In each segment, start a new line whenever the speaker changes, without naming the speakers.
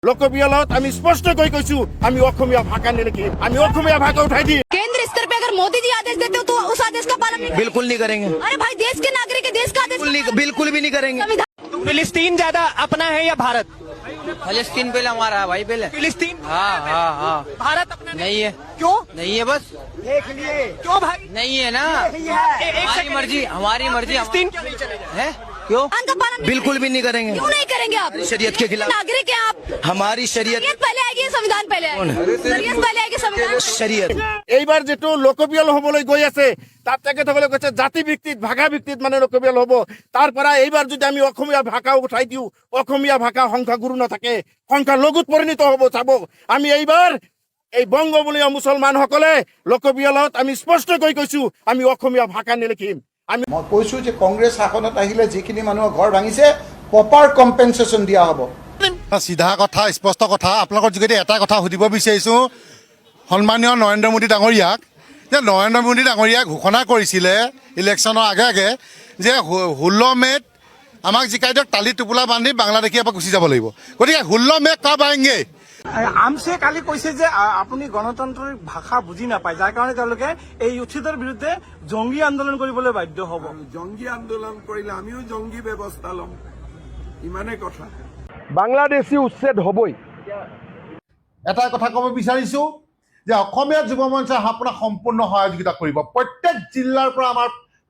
लोकप्रियলত আমি স্পষ্টকৈ কৈছো আমি অসমীয়া ভাষা নিলিখি আমি অসমীয়া ভাষা উঠাই দিম।
केंद्र स्तर पे अगर मोदी जी आदेश देते हो तो उस आदेश का पालन नहीं
बिल्कुल नहीं करेंगे।
अरे भाई देश के नागरिक है, देश का आदेश
बिल्कुल भी नहीं करेंगे।
संविधान
फिलिस्तीन ज्यादा अपना है या भारत?
फलस्तीन पहले हमारा है भाई, पहले।
फिलिस्तीन
हाँ।
भारत अपना
नहीं है,
क्यों?
नहीं है, बस
क्यों भाई?
नहीं है ना।
एक
हमारी
सेकंड।
मर्जी, हमारी मर्जी।
फिलिस्तीन क्यों नहीं चले जाए?
है क्यों?
का पालन नहीं
बिल्कुल भी नहीं करेंगे।
क्यों नहीं करेंगे आप?
शरीयत के खिलाफ।
नागरिक है आप,
हमारी शरीयत
शरीयत पहले आएगी या संविधान पहले आएगी? शरीयत पहले आएगी संविधान।
शरीयत
এইবার যেটো লোকপ্ৰিয় হবলৈ গৈ আছে তাত তেখেতসকলে কৈছে জাতি ভিত্তিত ভাষা ভিত্তিত মানে লোকপ্ৰিয় হ'ব। তাৰ পৰা এইবাৰ যদি আমি অসমীয়া ভাষা উঠাই দিওঁ অসমীয়া ভাষা সংখ্যাগুৰু নাথাকে সংখ্যালঘুত পৰিণত হ'ব চাব। আমি এইবাৰ এই বংগবলীয় মুছলমানসকলে লোকপ্ৰিয়লত আমি স্পষ্টকৈ কৈছো আমি অসমীয়া ভাষা নিলিখিম। আমি
মই কৈছো যে কংগ্ৰেছ শাসনত আহিলে যিখিনি মানুহৰ ঘৰ ভাঙিছে প্ৰপাৰ কম্পেনচেশ্যন দিয়া হ'ব।
চিধা কথা স্পষ্ট কথা আপোনালোকৰ যোগেদি এটা কথা সুধিব বিচাৰিছোঁ সন্মানীয় নৰেন্দ্ৰ মোদী ডাঙৰীয়াক যে নৰেন্দ্ৰ মোদী ডাঙৰীয়াক ঘোষণা কৰিছিলে ইলেকশ্যনৰ আগে আগে যে 16 মে'ত আমাক জিকাই দিয়ক টালি টোপোলা বান্ধি বাংলাদেশী এবাৰ গুচি যাব লাগিব। গতিকে 16 মে' কব আয়েংগে।
আমছে কালি কৈছে যে আপুনি গণতান্ত্ৰিক ভাষা বুজি নাপায়, যাৰ কাৰণে তেওঁলোকে এই উচ্ছেদৰ বিৰুদ্ধে জংগী আন্দোলন কৰিবলৈ বাধ্য হ'ব।
জঙ্গী আন্দোলন কৰিলে আমিও জঙ্গী ব্যৱস্থা ল'ম, ইমানে কথা।
বাংলাদেশী উচ্ছেদ হ'বই।
এটা কথা ক'ব বিচাৰিছোঁ যে অসমীয়া যুৱ মঞ্চে আপোনাক সম্পূৰ্ণ সহযোগিতা কৰিব। প্ৰত্যেক জিলাৰ পৰা আমাৰ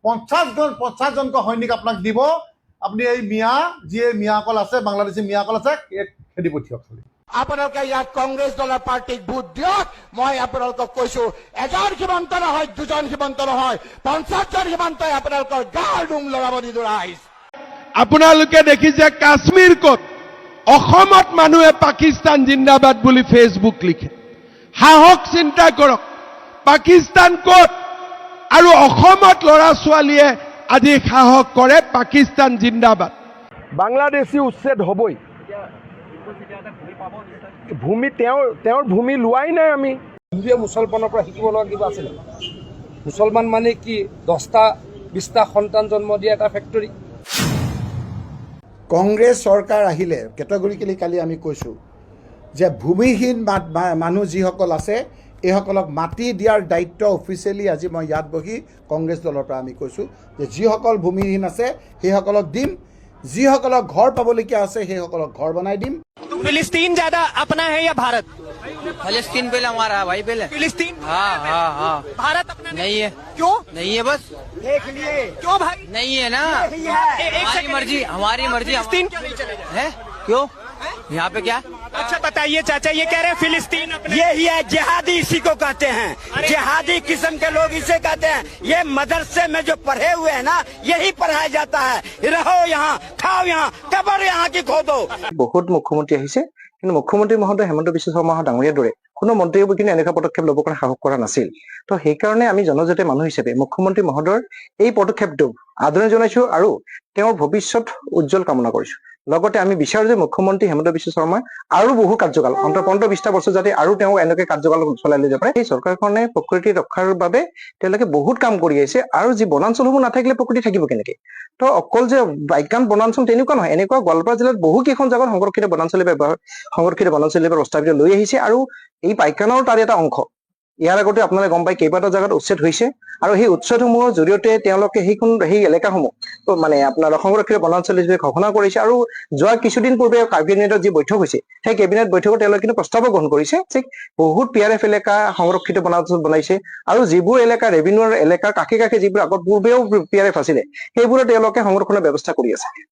50জনকৈ সৈনিক আপোনাক দিব। আপুনি এই মিয়া যিয়ে মিয়াসকল আছে বাংলাদেশী মিয়াসকল আছে খেদি পঠিয়াওক খালি।
আপোনালোকে ইয়াত কংগ্ৰেছ দলৰ পাৰ্টিক ভোট দিয়ক। মই আপোনালোকক কৈছো এজন সীমান্ত নহয়, দুজন সীমান্ত নহয়, 50জন সীমান্তই আপোনালোকৰ গাৰ নোম লৰাব নিদৰা আহিছে।
আপোনালোকে দেখিছে কাশ্মীৰ ক'ত, অসমত মানুহে পাকিস্তান জিন্দাবাদ বুলি ফেচবুক লিখে। সাহস চিন্তা কৰক, পাকিস্তান ক'ত আৰু অসমত ল'ৰা ছোৱালীয়ে আজি সাহস কৰে পাকিস্তান জিন্দাবাদ।
বাংলাদেশী উচ্ছেদ হ'বই। ভূমি তেওঁৰ ভূমি লোৱাই নাই আমি।
হিন্দুৱে মুছলমানৰ পৰা শিকিব লগা কিবা আছে নেকি? মুছলমান মানে কি 10টা 20টা সন্তান জন্ম দিয়া এটা ফেক্টৰী?
কংগ্ৰেছ চৰকাৰ আহিলে কেটেগৰিকেলি কালি আমি কৈছোঁ যে ভূমিহীন মানুহ যিসকল আছে এইসকলক মাটি দিয়াৰ দায়িত্ব অফিচিয়েলি আজি মই ইয়াত বহি কংগ্ৰেছ দলৰ পৰা আমি কৈছোঁ যে যিসকল ভূমিহীন আছে সেইসকলক দিম, যিসকলক ঘৰ পাবলগীয়া আছে সেইসকলক ঘৰ বনাই দিম।
फिलिस्तीन ज्यादा अपना है या भारत?
फलस्तीन पहले हमारा है भाई, पहले।
फिलिस्तीन
हाँ।
भारत अपना
नहीं है,
क्यों?
नहीं है, बस
क्यों भाई?
नहीं है ना।
एक
हमारी
सेकंड।
मर्जी, हमारी मर्जी।
फिलिस्तीन क्यों नहीं चले जाए?
है क्यों? यहाँ पे क्या?
अच्छा बताइए चाचा, ये कह रहे हैं फिलिस्तीन अपने
यही है जिहादी, इसी को कहते हैं। जिहादी किस्म के लोग इसे कहते हैं। ये मदरसे में जो पढ़े हुए हैं ना, यही पढ़ाया जाता है। रहो यहाँ, खाओ यहाँ, कब्र यहाँ की खोदो।
বহুত মুখ্যমন্ত্ৰী আহিছে, কিন্তু মুখ্যমন্ত্ৰী মহোদয় হেমন্ত বিশ্ব শৰ্মা ডাঙৰীয়াৰ দৰে কোনো মন্ত্ৰীয়ে কিন্তু এনেকুৱা পদক্ষেপ ল'ব কাৰণে সাহস কৰা নাছিল। তো সেইকাৰণে আমি জনজাতীয় মানুহ হিচাপে মুখ্যমন্ত্ৰী মহোদয়ৰ এই পদক্ষেপটো আদৰণি জনাইছো আৰু তেওঁৰ ভৱিষ্যত উজ্জ্বল কামনা কৰিছো। লগতে আমি বিচাৰো যে মুখ্যমন্ত্ৰী হেমন্ত বিশ্ব শৰ্মাই আৰু বহু কাৰ্যকাল অন্তত 15-20টা বছৰ যাতে আৰু তেওঁ এনেকৈ কাৰ্যকাল চলাই লৈ যাব পাৰে। এই চৰকাৰখনে প্ৰকৃতি ৰক্ষাৰ বাবে তেওঁলোকে বহুত কাম কৰি আহিছে। আৰু যি বনাঞ্চলসমূহ নাথাকিলে প্ৰকৃতি থাকিব কেনেকে? তো অকল যে বাইকান বনাঞ্চল তেনেকুৱা নহয়, এনেকুৱা গোৱালপাৰা জিলাত বহু কেইখন জাগাত সংৰক্ষিত বনাঞ্চল প্ৰস্তাৱিত লৈ আহিছে আৰু এই পাইকানৰ তাৰ এটা অংশ। ইয়াৰ আগতে আপোনালোকে গম পাই কেইবাটাও জাগাত উচ্ছেদ হৈছে আৰু সেই উচ্ছেদসমূহৰ জৰিয়তে তেওঁলোকে সেই এলেকাসমূহ মানে আপোনাৰ সংৰক্ষিত বনাঞ্চল হিচাপে ঘোষণা কৰিছে। আৰু যোৱা কিছুদিন পূৰ্বে কেবিনেটত যি বৈঠক হৈছে সেই কেবিনেট বৈঠকত তেওঁলোকে কিন্তু প্ৰস্তাৱো গ্ৰহণ কৰিছে যে বহুত PRF এলেকা সংৰক্ষিত বনাঞ্চল বনাইছে আৰু যিবোৰ এলেকা ৰেভিনিউৰ এলেকাৰ কাষে কাষে যিবোৰ আগত পূৰ্বেও PRF আছিলে সেইবোৰো তেওঁলোকে সংৰক্ষণৰ ব্যৱস্থা কৰি আছে।